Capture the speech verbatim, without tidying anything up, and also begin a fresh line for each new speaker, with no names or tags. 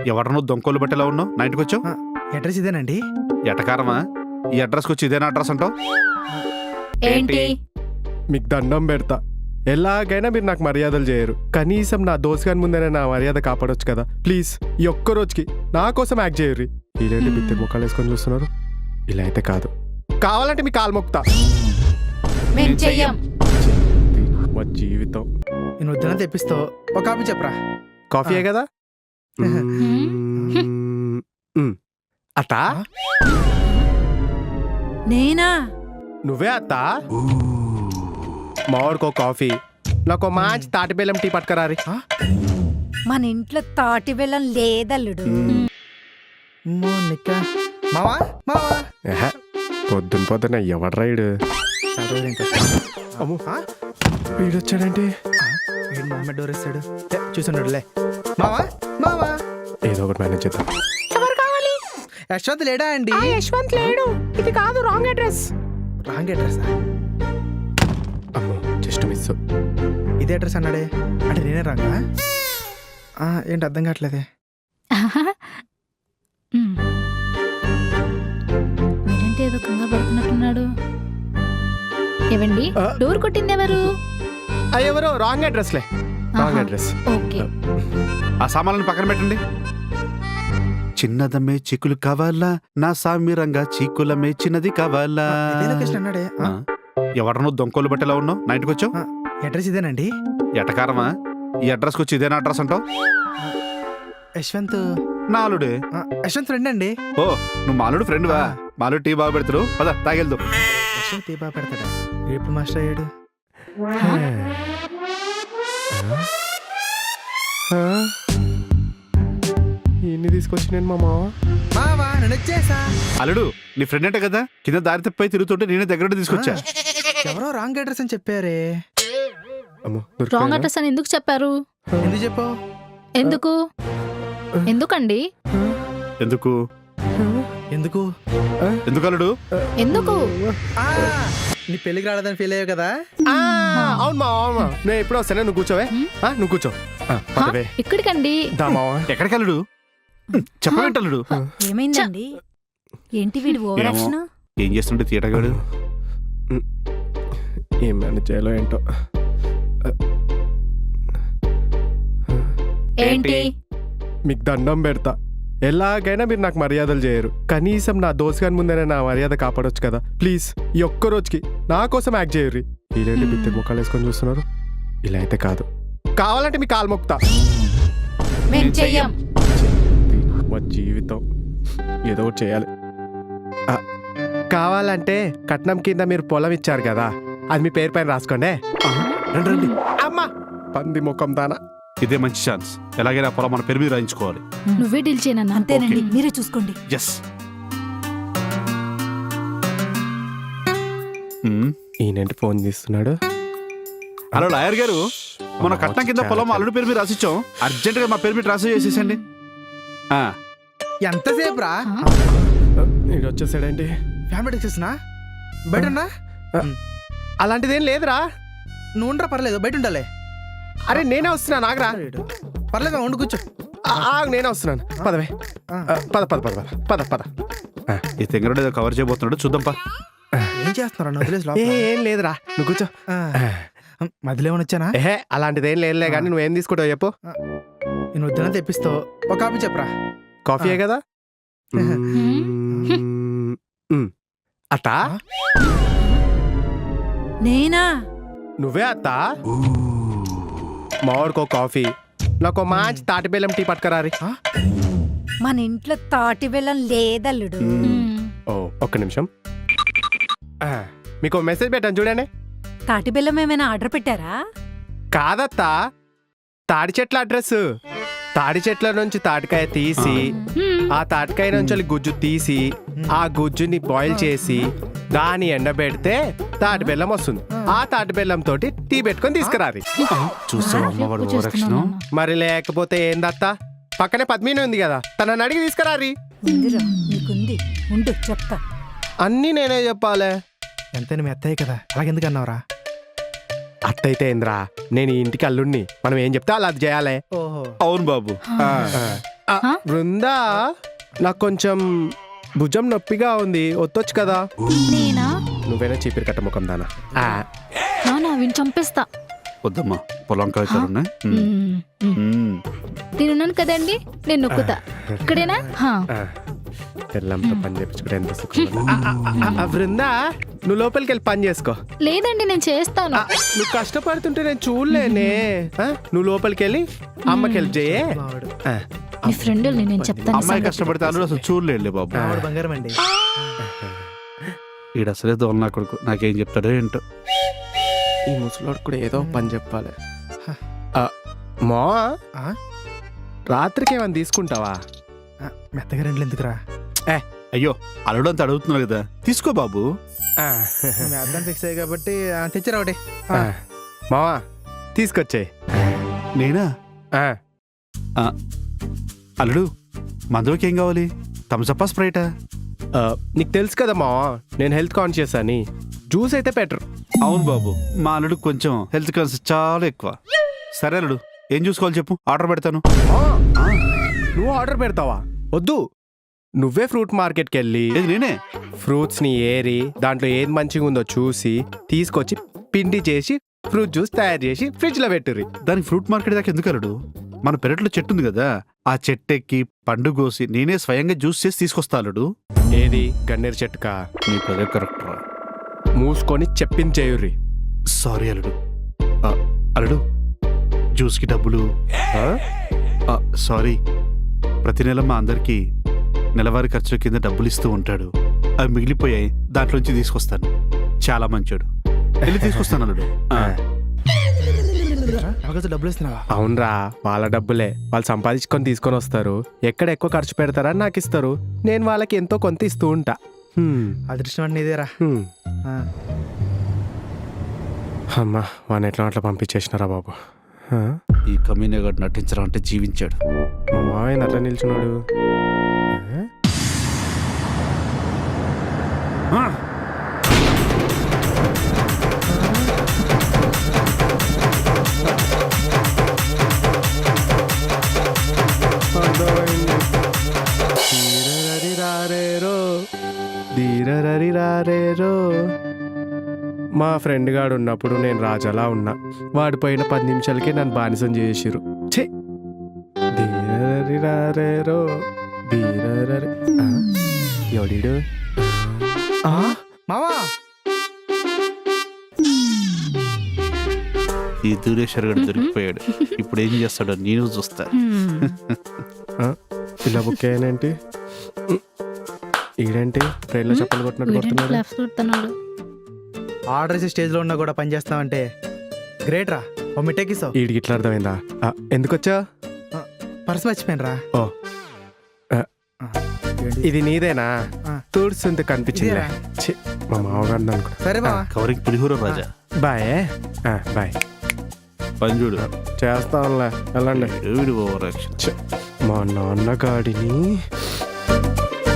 ఎవడనో దొంకోలు బట్టేలా ఉన్నావు నా ఇంటికి వచ్చావు?
అడ్రస్ ఇదేనండి.
ఎటకారమా? ఈ అడ్రస్కి వచ్చి ఇదేనా అడ్రస్ అంటావు?
ఏంటి?
మీకు దండం పెడతా, ఎలాగైనా మీరు నాకు మర్యాదలు చేయరు. కనీసం నా దోస్త్ గారి ముందైనా నా మర్యాద కాపాడొచ్చు కదా. ప్లీజ్ ఈ ఒక్క రోజుకి నా కోసం యాక్ట్ చేయరు. ఇలాంటి బిత్తిరి ముఖాలు వేసుకొని చూస్తున్నారు. ఇలా అయితే కాదు. కావాలంటే మీ కాలు మొక్తా.
మేం చెయ్యం.
మా జీవితం.
నేను వద్దున తెప్పిస్తావు. ఒక కాపీ చెప్పరా?
కాఫీయే కదా. అత్త
నేనా?
నువ్వే అత్త. మావాడికో కాఫీ, నాకు మంచి తాటి బెల్లం టీ పట్టుకరారి.
మన ఇంట్లో తాటి బెల్లం లేదల్లుడు.
మావా మావా
పొద్దున పొద్దున ఎవడు రైడు వీడొచ్చాడంటే
డోర్ ఇస్తాడు. చూసున్నాడులే. మావా మావా
ఏదో ఒకటి మేనేజ్ చేద్దాం.
ఎవరు కావాలి? యశ్వంత్ లేడా అండి?
యశ్వంత్ లేడు. ఇది కాదు, రాంగ్ అడ్రస్.
Wrong address?
అమ్మో జస్ట్ మిస్.
ఇదే అడ్రస్ అన్నాడే. అంటే నేనే రాంగా? ఏంటి అర్థం కావట్లేదే.
మీరేంటి ఏదో కంగారు పడుతున్నట్టున్నాడు. ఏవండి, డోర్ కొట్టింది ఎవరు?
ఎవరో రాంగ్ అడ్రస్ లే. Wrong address.
ఓకే.
ఆ సామాన్లను పక్కన పెట్టండి. చిన్నదమ్మే చిక్కులు కావాలా, నా సామిరంగా చీకులమే చిన్నది కావాలా.
అన్నాడే.
ఎవడనో దొంకోలు బట్టేలా ఉన్నావు నా ఇంటికి వచ్చావు?
అడ్రస్ ఇదేనండి.
ఎటకారమా? ఈ అడ్రస్కి వచ్చి ఇదేనా అడ్రస్ అంటావు?
యశ్వంత్
నాలుడే.
యశ్వంత్ ఫ్రెండ్ అండి.
ఓ, నువ్వు మాలుడు ఫ్రెండ్ వా? మాలుడు టీ బాగా పెడతారు, పద తాగెళ్దు.
యశ్వంత్ టీ బాగా పెడతాడా? ఎప్పుడు మాస్టర్ అయ్యాడు?
ఎన్ని తీసుకొచ్చి నేను మా మావ
మావా నేను వచ్చేసా.
అల్లుడు నీ ఫ్రెండ్ అంటే కదా, కింద దారి తప్పై తిరుగుతుంటే నేనే దగ్గర తీసుకొచ్చా.
ఎవరో రాంగ్ అడ్రస్ అని చెప్పారే.
రాంగ్ అడ్రస్ అని ఎందుకు చెప్పారు?
ఎందుకు చెప్పావు?
ఎందుకు ఎందుకండి?
ఎందుకు
ఎందుకు
ఎందుకు అల్లుడు?
ఎందుకు?
నీ పెళ్లికి రాలేదని ఫీల్ అయ్యావు కదా.
అవును మా మామ. నేను ఎప్పుడు వస్తానే, నువ్వు కూర్చోవే. నువ్వు కూర్చో.
ఇక్కడికండి.
ఎక్కడికి అల్లుడు? చెప్పవేంటల్లుడు?
ఏమైందండి? ఏంటి వీడు ఓవర్ యాక్షన్?
ఏం చేస్తుంటే తీయటగాడు?
ఏం మేనేజ్ చేయాలో ఏంటో.
ఏంటి?
మీకు దండం పెడతా, ఎలాగైనా మీరు నాకు మర్యాదలు చేయరు. కనీసం నా దోస్త్ గారి ముందైనా నా మర్యాద కాపాడొచ్చు కదా. ప్లీజ్ ఈ ఒక్క రోజుకి నా కోసం యాక్ట్ చేయరు. ఇలాంటి బిత్తిరి ముఖాలు వేసుకొని చూస్తున్నారు. ఇలా అయితే కాదు. కావాలంటే మీ కాలు మొక్తా.
మేం చెయ్యం.
మా జీవితం. ఏదో ఒకటి చేయాలి. కావాలంటే కట్నం కింద మీరు పొలం ఇచ్చారు కదా, అది మీ పేరు పైన రాసుకోండి. రండి రండి. అమ్మా పంది ముఖం దానా.
ఇదే మంచి ఛాన్స్. ఎలాగైనా పొలం మన పేరు మీద రాయించుకోవాలి.
నువ్వే డీల్ చేయనన్నా. అంతేనండి, మీరే చూసుకోండి.
ఎస్.
ఈయనంటే ఫోన్ చేస్తున్నాడు.
హలో లాయర్ గారు, మన కట్నం కింద పొలం అల్లుడి పేరు మీద రాసిచ్చాం. అర్జెంట్ గా మా పేరు మీద ట్రాన్స్ఫర్ చేసేసండి.
ఎంతసేపు రా?
ఇది వచ్చేసాడేంటి?
ఫ్యామిలీ వచ్చేసినా బయట
అలాంటిదేం లేదురా.
నువ్వు ఉండరా, పర్లేదు, బయట ఉండాలి.
అరే నేనే వస్తున్నా, నాగరా.
పర్లేదు, ఉండు, కూర్చో.
నేనే వస్తున్నాను. పదవే. పద పద పద పద పద.
ఈ తెంగరుడు ఏదో కవర్ చేయబోతున్నాడు, చూద్దాం పా.
ఏం చేస్తున్నారు?
ఏం లేదురా, నువ్వు కూర్చో.
మధ్యలో ఏమని వచ్చానా?
ఏహే అలాంటిదేం లేదులే కానీ నువ్వేం తీసుకుంటావు చెప్పు.
నేను వద్దున తెప్పిస్తావు. ఒక కాపీ చెప్పరా?
కాఫీయే కదా. అత్త
నేనా?
నువ్వే అత్త. మావాడికో కాఫీ, నాకు మంచి తాటి బెల్లం టీ పట్టుకరారి.
మన ఇంట్లో తాటి బెల్లం లేదల్లుడు.
ఓ ఒక్క నిమిషం. మీకు మెసేజ్ పెట్టాను చూడండి.
తాటి బెల్లం ఏమైనా ఆర్డర్ పెట్టారా?
కాదత్తా, తాడి చెట్ల అడ్రస్. తాడి చెట్ల నుంచి తాటికాయ తీసి, ఆ తాటికాయ నుంచి గుజ్జు తీసి, ఆ గుజ్జుని బాయిల్ చేసి దాన్ని ఎండబెడితే తాటి బెల్లం వస్తుంది. ఆ తాటి బెల్లం తోటి టీ పెట్టుకొని తీసుకురాది. మరి లేకపోతే ఏందత్తా, పక్కనే పద్మిని ఉంది కదా, తనని అడిగి తీసుకురారి.
చెప్తా.
అన్నీ నేనే చెప్పాలే.
ఎంతైనా మీ అత్తయ్య కదా, అలాగెందుకు అన్నావురా?
అట్టయితే ఏంద్రా, నేను ఈ ఇంటికి అల్లుడిని, మనం ఏం చెప్తే అలా అది చేయాలి.
ఓహో
అవును బాబు.
ఆ,
ఆ?
బృందా నాకు కొంచెం భుజం నొప్పిగా ఉంది వత్తొచ్చు కదా
నేనా
నువ్వేనా చీపిరి కట్ట ముఖం దానా ఆ,
నానా విని చంపేస్తా
వద్దమ్మా పొలం కాయతారున్నాయి
మ్మ్, మ్మ్. నేనున్నాను కదండి నేను నొక్కుతా ఇక్కడేనా హా.
ఆ. తెల్లంతో పని చేపించుకుంటే ఎంత సుఖం. ఆ, ఆ, ఆ, ఆ, బృందా నువ్వు లోపలికి వెళ్ళి పని చేసుకో
లేదండి నేను చేస్తాను
ఆ, నువ్వు కష్టపడుతుంటే నేను చూడలేనే ఆ, నువ్వు లోపలికి వెళ్ళి అమ్మకి హెల్ప్ చేయే
మావాడు
ఆ,
మీ ఫ్రెండ్ నేను చెప్తాను
అమ్మాయి
సంగతి.
కష్టపడితే అల్లుడు అసలు చూడలేడులే బాబు
మావాడు బంగారం అండి.
ఈడ అసలే దోల నా కొడుకు నాకేం చెప్తాడో ఏంటో.
ఈ ముసలోడు కూడా ఏదో ఒక పని చెప్పాలి ఆ, మా
ఆ?
రాత్రికి ఏమైనా తీసుకుంటావా
ఆ, మెత్తగా రెండులు ఎందుకురా?
అయ్యో అల్లుడు అంత అడుగుతున్నాడు కదా తీసుకో బాబు.
ఆ,
మేద్దాన్ని ఫిక్స్ అయ్యి కాబట్టి ఆ, తెచ్చిరా ఒకటి.
ఆ, మావా తీసుకొచ్చేయ్
నేనా
ఆ,
ఆ, అల్లుడు మందులోకి ఏం కావాలి థమ్సప్పా స్ప్రైటా?
ఆ, నీకు తెలుసు కదా మావా నేను హెల్త్ కాన్షియస్ అని జ్యూస్ అయితే బెటర్
అవును బాబు మా అల్లుడు కొంచెం హెల్త్ కాన్షియస్ చాలా ఎక్కువ. సరే అల్లుడు ఏం చూసుకోవాలి చెప్పు ఆర్డర్ పెడతాను.
నువ్వు ఆర్డర్ పెడతావా వద్దు నువ్వే ఫ్రూట్ మార్కెట్కి వెళ్ళి
ఏది నేనే?
ఫ్రూట్స్ ని ఏరి దాంట్లో ఏది మంచిగా ఉందో చూసి తీసుకొచ్చి పిండి చేసి ఫ్రూట్ జ్యూస్ తయారు చేసి ఫ్రిడ్జ్ లో పెట్టుర్రి
దానికి ఫ్రూట్ మార్కెట్ దాకా ఎందుకు అల్లుడు? మన పెరట్లో చెట్టు ఉంది కదా ఆ చెట్టు ఎక్కి పండు కోసి నేనే స్వయంగా జ్యూస్ చేసి తీసుకొస్తా అల్లుడు.
ఏది గన్నేరు చెట్టుకా
నీకు అదే కరెక్ట్ రా.
మూసుకొని చెప్పించేయుర్రి
సారీ అల్లుడు. ఆ, అల్లుడు జ్యూస్కి డబ్బులు.
ఆ?
ఆ, సారీ ప్రతి నెల మా అందరికి నెలవారీ ఖర్చుల కింద డబ్బులు ఇస్తూ ఉంటాడు. అవి మిగిలిపోయాయి దాంట్లోంచి తీసుకొస్తాను. చాలా మంచోడు వెళ్ళి తీసుకొస్తాను అల్లుడు. ఆ,
అవకాశం డబ్బులు ఇస్తున్నావా?
అవునరా వాళ్ళ డబ్బులే వాళ్ళు సంపాదించుకొని తీసుకొని వస్తారు ఎక్కడ ఎక్కువ ఖర్చు పెడతారని నాకు ఇస్తారు నేను వాళ్ళకి ఎంతో కొంత ఇస్తూ ఉంటా హ్మ్.
అదృష్టం అంటే నీదేరా.
హ్మ్.
ఆ,
అమ్మా వాడిని ఎట్లా అట్లా పంపించేసినారా బాబు ఆ?
ఈ కమీనగాడు నటించడం అంటే జీవించాడు.
మా మావయ్య అట్లా నిల్చున్నాడు ఆ?
ఆ,
అర్థమైంది. ధీరరరి రారేరో, ధీరరరి రారేరో. మా ఫ్రెండ్ గాడు ఉన్నప్పుడు నేను రాజాలా ఉన్నా వాడి పోయిన పది నిమిషాలకి నన్ను బానిసం చేసిరు ఛే ధీరరరి రారేరో ధీరరరి ఆ? ఎవడీడు
ఆ, మావా
ఈ దూరేశ్వర్ గడు దొరికిపోయాడు. ఇప్పుడు ఏం చేస్తాడో నేను చూస్తా.
మ్మ్.
ఆ? ఇలా బుక్ అయ్యానేంటి ఈడేంటి ట్రైన్లో చెప్పలు కొట్టినట్టు
వీడేంటి
కొడుతున్నాడు
క్లాప్స్ కొడుతున్నాడు?
ఆర్డర్ చేసి స్టేజ్ లో ఉన్నా కూడా పని చేస్తావంటే గ్రేట్ రా. ఓ మిఠాయికి ఇస్తావు.
ఈడికి ఇట్లా అర్థమైందా ఆ, ఎందుకొచ్చా
పర్స్ మర్చిపోయాను రా.
ఓ ఇది నీదేనా
ఆ.
తుడుస్తుంటే కనిపించింది
ఇదేరా.
ఛీ, మా మామగారు అనుకో
సరే బావా.
కవరింగ్ పులిహోర రాజా.
బాయ్ ఆ, బాయ్
పని చూడు.
చేస్తాంలే వెళ్ళండి
వీడు ఓవర్ యాక్షన్.
ఛ, మా నాన్నగాడిని